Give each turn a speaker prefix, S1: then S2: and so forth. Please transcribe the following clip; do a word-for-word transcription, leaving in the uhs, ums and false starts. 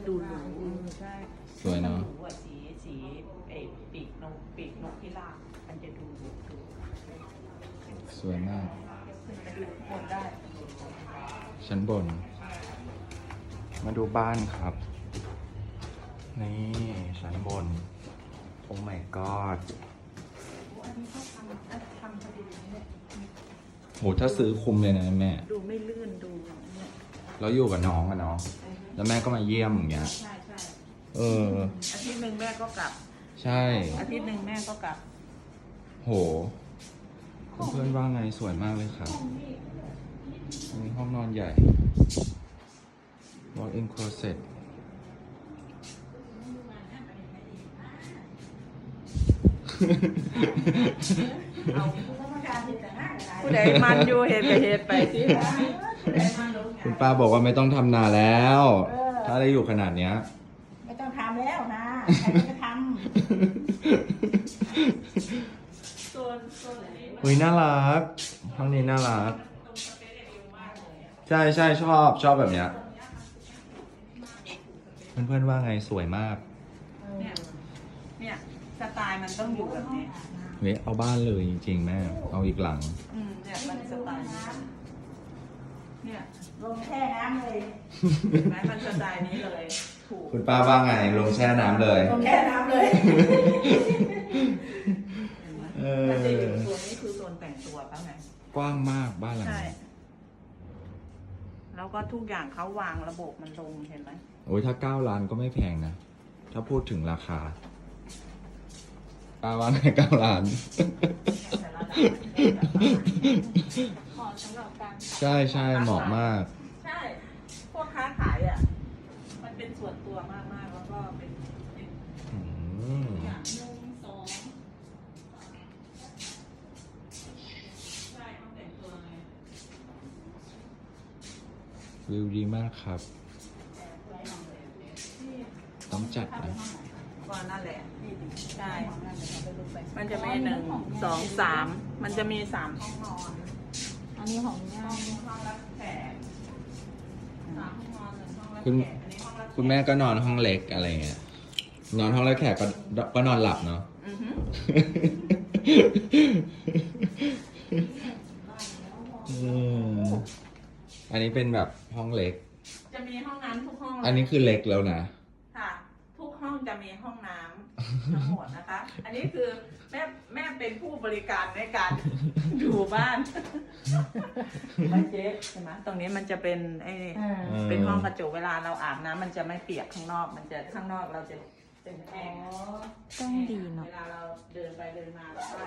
S1: ดูหรูใช่
S2: สวยเนาะ
S1: หรูอะสีสีเอปีกนกปีกนกพิราบมันจะดูหรูดู
S2: สวยมาก
S1: ขึ้นไปดูข้างบนได้
S2: ชั้นบน มาดูบ้านครับ นี่ชั้นบน โอ้ my god
S1: อันนี้เขาทำทำพอดีเนี่ย
S2: โหถ้าซื้อคุ้มเลยนะแม่
S1: ดูไม่ลื่นดูเนี่ย
S2: แล้วอยู่กับน้องอะเนาะ แล้วแม่ก็มาเยี่ยมอย่างเงี้ย
S1: ใช่ใช่
S2: เออ
S1: อาทิตย์หนึ่งแม่ก็กลับ
S2: ใช่
S1: อาทิตย์หนึ่งแม่ก็กลับ
S2: โห เพื่อนๆว่าไงสวยมากเลยครับอันนี้ห้องนอนใหญ่ walk in closet
S1: ผู้ใดมันอยู่เหตุกับเหตุไปสิ
S2: คุณป้าบอกว่าไม่ต้องทำนาแล้ว ถ้าได้อยู่ขนาดเนี้ย
S3: ไม่ต้องทำแล้วนะใครจะท
S1: โซนโซนนี้
S2: เฮ้ยน่ารัก ห้องนี้น่ารัก ใช่ใช่ชอบชอบแบบเนี้ย เพื่อนๆว่าไงสวยมาก
S1: เนี่ยเนี่ยสไตล์มันต้องอยู่แบบนี้
S2: เฮ้ยเอาบ้านเลยจริงๆแม่ เอาอีกหลัง
S1: อืมเนี่ยมันสไตล์นี้เนี่ย
S3: ำลงแช่น้ำเลย
S1: เห็นไหมมันสไตล์นี้เลยถูก
S2: คุณป้าว่าไงลงแช่น้ำเลย
S3: ลงแช่น้ำเลย
S2: เอ
S1: มันจะอยู่
S2: อ
S1: โซนนี้คือโซนแต่งตัวเขาไง
S2: กว้างมากบ้านหลัง
S1: ใช่
S2: นี้
S1: แล้วก็ทุกอย่างเขาวางระบบมันลงเห็นไหม
S2: โอ้ยถ้าเก้าล้านก็ไม่แพงนะ ถ้าพูดถึงราคาป้าว่าไงเก้าล้าน
S1: แต่ละด่านมันจะแบบ
S3: ขอสำหรับการ
S2: ใช่ใช่เหมาะมาก
S1: ใช่พวกค้าขายอ่ะ มันเป็นส่วนตัวมากมากๆแล้วก็เป็นเป็น
S2: อืม
S1: อย่างหนึ่งสองใช่ต้องแต่งตัวไง
S2: วิวดีมากครับ ต้องจัดนะ
S1: ก็นั่นแหละใช่ มันจะมีหนึ่งสองสามมันจะมีสามห้องนอน
S3: อันนี้ของย่า
S1: ห้องห้องรับแขกสามห้องนอนหนึ่งห้องรับ
S2: คุณ
S1: แขกอันนี้ห้องรับแขก
S2: คุณแม่ก็นอนห้องเล็กอะไรเงี้ย นอนห้องแล้วแขกก็ก็นอนหลับเนาะ
S1: อือฮึ
S2: อืมอันนี้เป็นแบบห้องเล็ก
S1: จะมีห้องน้ำทุกห้องเลย
S2: อันนี้คือเล็กแล้วนะ
S1: ค่ะ ทุกห้องจะมีห้องน้ำทั้งหมดนะคะ อันนี้คือแม่แม่เป็นผู้บริการในการดูบ้านไม่เจ๊ใช่ไหมตรงนี้มันจะเป็นไอ้
S3: อ่า
S2: อืม
S1: เป็นห้องกระจกเวลาเราอาบน้ำมันจะไม่เปียกข้างนอก มันจะข้างนอกเราจะเป็นแห้ง
S3: ต้องดีเนาะ
S1: เวลาเราเดินไปเดินมาแล้วก็